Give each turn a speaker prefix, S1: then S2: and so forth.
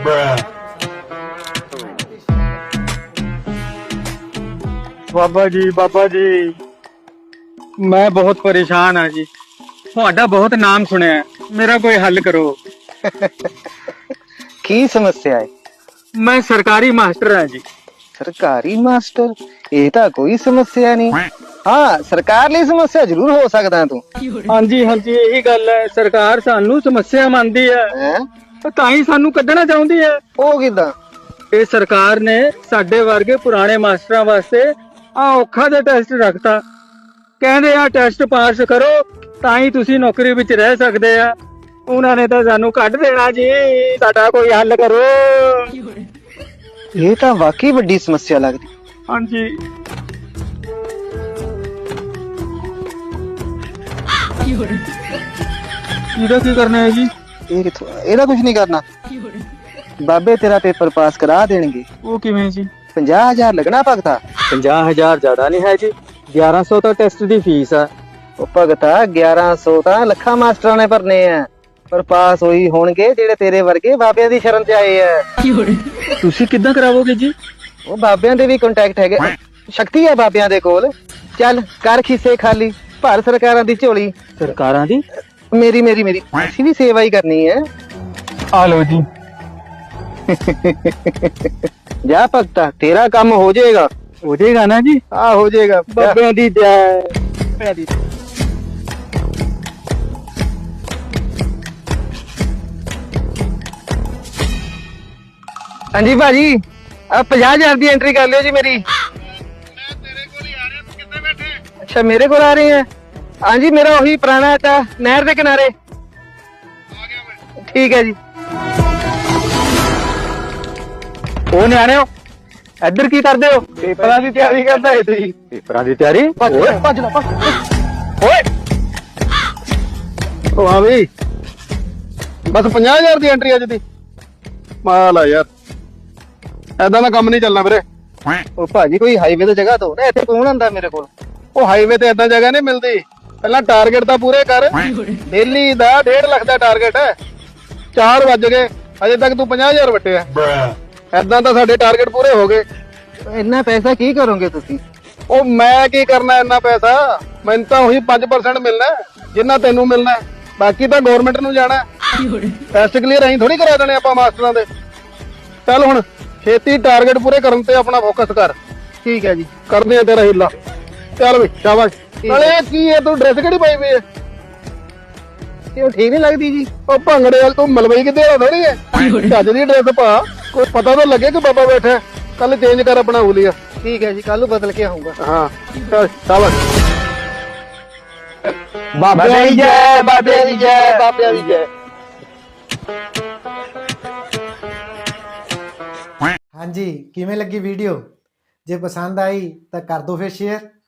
S1: ਬਾਬਾ ਜੀ ਮੈਂ ਬਹੁਤ ਪਰੇਸ਼ਾਨ ਹਾਂ ਜੀ। ਤੁਹਾਡਾ ਬਹੁਤ ਨਾਮ ਸੁਣਿਆ ਹੈ, ਮੇਰਾ ਕੋਈ ਹੱਲ ਕਰੋ।
S2: ਕੀ ਸਮੱਸਿਆ ਹੈ?
S1: ਮੈਂ ਸਰਕਾਰੀ ਮਾਸਟਰ ਹਾਂ ਜੀ।
S2: ਸਰਕਾਰੀ ਮਾਸਟਰ? ਇਹ ਤਾਂ ਕੋਈ ਸਮੱਸਿਆ ਨਹੀਂ। ਹਾਂ, ਸਰਕਾਰ ਲਈ ਸਮੱਸਿਆ ਜ਼ਰੂਰ ਹੋ ਸਕਦਾ ਤੂੰ।
S1: ਹਾਂਜੀ ਇਹੀ ਗੱਲ ਹੈ। ਸਰਕਾਰ ਸਾਨੂੰ ਸਮੱਸਿਆ ਮੰਨਦੀ ਹੈ,
S2: ਹੈਂ?
S1: ਤਾਂ ਹੀ ਸਾਨੂੰ ਕੱਢਣਾ ਚਾਹੁੰਦੀ ਹੈ।
S2: ਉਹ ਕਿਦਾਂ?
S1: ਇਹ ਸਰਕਾਰ ਨੇ ਸਾਡੇ ਵਰਗੇ ਪੁਰਾਣੇ ਮਾਸਟਰਾਂ ਵਾਸਤੇ ਔਖਾ ਦੇ ਟੈਸਟ ਰੱਖਤਾ। ਕਹਿੰਦੇ ਆ ਟੈਸਟ ਪਾਸ ਕਰੋ ਤਾਂ ਹੀ ਤੁਸੀਂ ਨੌਕਰੀ ਵਿੱਚ ਰਹਿ ਸਕਦੇ ਆ। ਉਹਨਾਂ ਨੇ ਤਾਂ ਸਾਨੂੰ ਕੱਢ ਦੇਣਾ ਜੀ। ਸਾਡਾ ਕੋਈ ਹੱਲ ਕਰੋ।
S2: ਇਹ ਤਾਂ ਵਾਕਈ ਵੱਡੀ ਸਮੱਸਿਆ ਲੱਗਦੀ।
S1: ਹਾਂਜੀ ਇਹਦਾ ਕੀ ਕਰਨਾ ਹੈ ਜੀ?
S2: ਇਹਦਾ ਕੁਝ ਨਹੀਂ ਕਰਨਾ। ਬਾਬੇ ਤੇਰਾ ਪੇਪਰ ਪਾਸ ਕਰਾ ਦੇਣਗੇ।
S1: ਉਹ ਕਿਵੇਂ ਜੀ?
S2: 50,000 ਲੱਗਣਾ ਭਗਤਾ।
S1: 50,000 ਜ਼ਿਆਦਾ ਨਹੀਂ ਹੈ ਜੀ। 1100 ਤਾਂ ਟੈਸਟ ਦੀ ਫੀਸ ਆ।
S2: ਉਹ ਭਗਤਾ 1100 ਤਾਂ ਲੱਖਾਂ ਮਾਸਟਰਾਂ ਨੇ ਭਰਨੇ ਆ, ਪਰ ਪਾਸ ਹੋਈ ਹੋਣਗੇ ਜਿਹੜੇ ਤੇਰੇ ਵਰਗੇ ਬਾਬਿਆਂ ਦੀ ਸ਼ਰਨ ਚ ਆਏ ਆ।
S1: ਤੁਸੀਂ ਕਿੱਦਾਂ ਕਰਾਵੋਗੇ ਜੀ?
S2: ਉਹ ਬਾਬਿਆਂ ਦੇ ਵੀ ਕੰਟੈਕਟ ਹੈਗੇ, ਸ਼ਕਤੀ ਹੈ ਬਾਬਿਆਂ ਦੇ ਕੋਲ। ਚੱਲ ਕਰ ਖਿੱਸੇ ਖਾਲੀ, ਭਰ ਸਰਕਾਰਾਂ ਦੀ ਝੋਲੀ।
S1: ਸਰਕਾਰਾਂ ਦੀ?
S2: ਮੇਰੀ ਅਸੀਂ ਵੀ ਸੇਵਾ ਹੀ ਕਰਨੀ ਹੈ।
S1: ਆ ਲਓ ਜੀ।
S2: ਜਾ ਭਗਤਾ, ਤੇਰਾ ਕੰਮ ਹੋ ਜਾਏਗਾ।
S1: ਹੋ ਜਾਏਗਾ ਨਾ ਜੀ?
S2: ਆ ਹੋ ਜਾਏਗਾ।
S1: ਬਾਬਿਆਂ ਦੀ ਜੈ।
S2: ਹਾਂਜੀ ਭਾਜੀ, ਆ 50,000 ਦੀ ਐਂਟਰੀ ਕਰ ਲਿਓ ਜੀ ਮੇਰੀ।
S3: ਮੈਂ ਤੇਰੇ ਕੋਲ ਹੀ ਆ ਰਿਹਾ, ਤੂੰ ਕਿੱਥੇ ਬੈਠੇ?
S2: ਅੱਛਾ, ਮੇਰੇ ਕੋਲ ਆ ਰਹੇ ਆ? ਹਾਂਜੀ, ਮੇਰਾ ਉਹੀ ਪੁਰਾਣਾ ਤਾਂ ਨਹਿਰ ਦੇ ਕਿਨਾਰੇ।
S3: ਆ ਗਿਆ ਮੈਂ।
S2: ਠੀਕ ਹੈ ਜੀ।
S1: ਉਹ ਨਿਆਣਿਓ, ਇੱਧਰ ਕੀ ਕਰਦੇ ਹੋ?
S2: ਪੇਪਰਾਂ ਦੀ ਤਿਆਰੀ ਕਰਦਾ ਹੈ ਤੁਸੀਂ?
S1: ਪੇਪਰਾਂ ਦੀ ਤਿਆਰੀ?
S2: ਭੱਜ ਲੈ।
S1: ਓਏ
S3: ਉਹ ਹਾਂ ਬਈ, ਬਸ 50,000 ਦੀ ਐਂਟਰੀ ਅੱਜ ਦੀ। ਮਾਲ ਆ ਯਾਰ, ਐਦਾਂ ਦਾ ਕੰਮ ਨਹੀਂ ਚੱਲਣਾ ਵੀਰੇ।
S2: ਉਹ ਭਾਜੀ ਕੋਈ ਹਾਈਵੇ ਤੇ ਜਗ੍ਹਾ ਤੋਂ ਨਾ, ਇੱਥੇ ਕੌਣ ਆਂਦਾ ਮੇਰੇ ਕੋਲ?
S3: ਉਹ ਹਾਈਵੇ ਤੇ ਐਦਾਂ ਜਗ੍ਹਾ ਨਹੀਂ ਮਿਲਦੀ। ਪਹਿਲਾਂ ਟਾਰਗੇਟ ਤਾਂ ਪੂਰੇ ਕਰ। ਡੇਲੀ ਦਾ 1.5 ਲੱਖ ਦਾ ਟਾਰਗੇਟ ਹੈ। 4 ਵੱਜ ਗਏ, ਅਜੇ ਤੱਕ ਤੂੰ 50,000 ਵਟਿਆ। ਐਦਾਂ ਤਾਂ ਸਾਡੇ ਟਾਰਗੇਟ ਪੂਰੇ ਹੋ ਗਏ।
S2: ਇੰਨਾ ਪੈਸਾ ਕੀ ਕਰੋਗੇ ਤੁਸੀਂ?
S3: ਉਹ ਮੈਂ ਕੀ ਕਰਨਾ ਇੰਨਾ ਪੈਸਾ? ਮੈਨੂੰ ਤਾਂ ਉਹੀ 5% ਮਿਲਣਾ ਜਿੰਨਾ ਤੈਨੂੰ ਮਿਲਣਾ, ਬਾਕੀ ਤਾਂ ਗਵਰਨਮੈਂਟ ਨੂੰ ਜਾਣਾ। ਟੈਸਟ ਕਲੀਅਰ ਅਸੀਂ ਥੋੜੀ ਕਰਾ ਦੇਣੇ ਆਪਾਂ ਮਾਸਟਰਾਂ ਦੇ। ਚੱਲ ਹੁਣ ਛੇਤੀ ਟਾਰਗੇਟ ਪੂਰੇ ਕਰਨ ਤੇ ਆਪਣਾ ਫੋਕਸ ਕਰ।
S2: ਠੀਕ ਹੈ ਜੀ।
S3: ਕਰਦੇ ਆ ਤੇਰਾ ਹੀਲਾ। ਚੱਲ ਬਈ ਸ਼ਾਬਾਸ਼। ਨਾਲੇ ਕੀ ਹੈ, ਤੂੰ ਡਰੈਸ ਕਿਹੜੀ ਪਾਈ ਪਈ ਹੈ?
S2: ਇਹ ਉਹ ਠੀਕ ਨਹੀਂ ਲੱਗਦੀ ਜੀ।
S3: ਉਹ ਭੰਗੜੇ ਵਾਲ ਤੂੰ ਮਲਵਈ ਕਿਤੇ ਆ ਥੋੜੀ ਹੈ। ਚੱਜ ਦੀ ਡਰੈਸ ਪਾ, ਕੋਈ ਪਤਾ ਤਾਂ ਲੱਗੇ ਕਿ ਬਾਬਾ ਬੈਠਾ। ਕੱਲ ਚੇਂਜ ਕਰ ਆਪਣਾ ਹੁਲੀਆ।
S2: ਠੀਕ ਹੈ ਜੀ, ਕੱਲ ਨੂੰ ਬਦਲ ਕੇ ਆਉਂਗਾ।
S3: ਹਾਂ ਚੱਲ ਸ਼ਾਬਾਸ਼।
S2: ਬਾਬਿਆਂ ਦੀ ਜੈ, ਬਾਬਿਆਂ ਦੀ ਜੈ, ਬਾਬਿਆਂ ਦੀ ਜੈ।
S4: ਹਾਂਜੀ, ਕਿਵੇਂ ਲੱਗੀ ਵੀਡੀਓ? ਜੇ ਪਸੰਦ ਆਈ ਤਾਂ ਕਰ ਦਿਓ ਫਿਰ ਸ਼ੇਅਰ।